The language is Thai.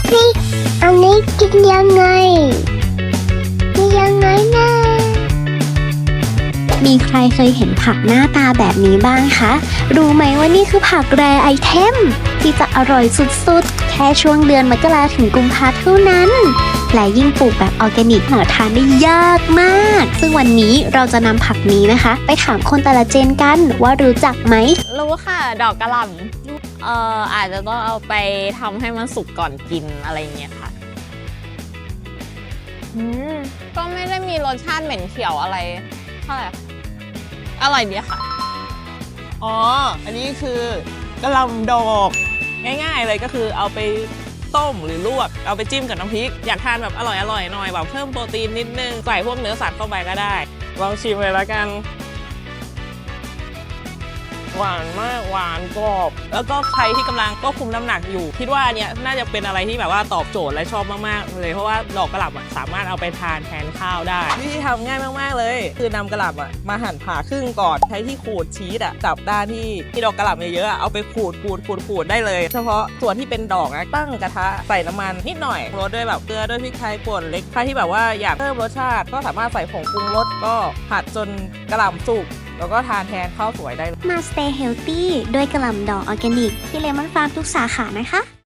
นี่อันนี้กินยังไงกินยังไงนะมีใครเคยเห็นผักหน้าตาแบบนี้บ้างคะ รู้ไหมว่านี่คือผักแรไอเทมที่จะอร่อยสุดๆ แค่ช่วงเดือนมกราถึงกุมภาเท่านั้น และยิ่งปลูกแบบออร์แกนิกหาทานได้ยากมาก ซึ่งวันนี้เราจะนำผักนี้นะคะ ไปถามคนแต่ละเจนกันว่ารู้จักไหมรู้ค่ะดอกกระหล่ำอาจจะต้องเอาไปทำให้มันสุกก่อนกินอะไรเงี้ยค่ะก็ไม่ได้มีรสชาติเหม็นเขียวอะไรเท่าไหร่ค่ะอร่อยดีค่ะอ๋อ อันนี้คือกะหล่ำดอกง่ายๆเลยก็คือเอาไปต้มหรือลวกเอาไปจิ้มกับน้ำพริกอยากทานแบบอร่อยๆหน่อยแบบเพิ่มโปรตีนนิดนึงใส่พวกเนื้อสัตว์เข้าไปก็ได้ลองชิมเลยแล้วกันหวานมากหวานกรอบแล้วก็ใครที่กำลังก็คุมน้ำหนักอยู่คิดว่าอันเนี้ยน่าจะเป็นอะไรที่แบบว่าตอบโจทย์และชอบมากๆเลยเพราะว่าดอกกะหล่ำสามารถเอาไปทานแทนข้าวได้วิธีทำง่ายมากๆเลยคือนำกะหล่ำมาหั่นผ่าครึ่งก่อนใช้ที่ขูดชีสจับด้านที่ดอกกะหล่ำเยอะๆเอาไปขูดได้เลยเฉพาะส่วนที่เป็นดอกตั้งกระทะใส่น้ำมันนิดหน่อยรสด้วยแบบเกลือด้วยพริกไทยป่นเล็กใครที่แบบว่าอยากเพิ่มรสชาติก็สามารถใส่ผงปรุงรสก็ผัดจนกะหล่ำสุกแล้วก็ทานแทนข้าวสวยได้มา Stay Healthy ด้วยกะหล่ำดอกออร์แกนิกที่เลมอนฟาร์มทุกสาขานะคะ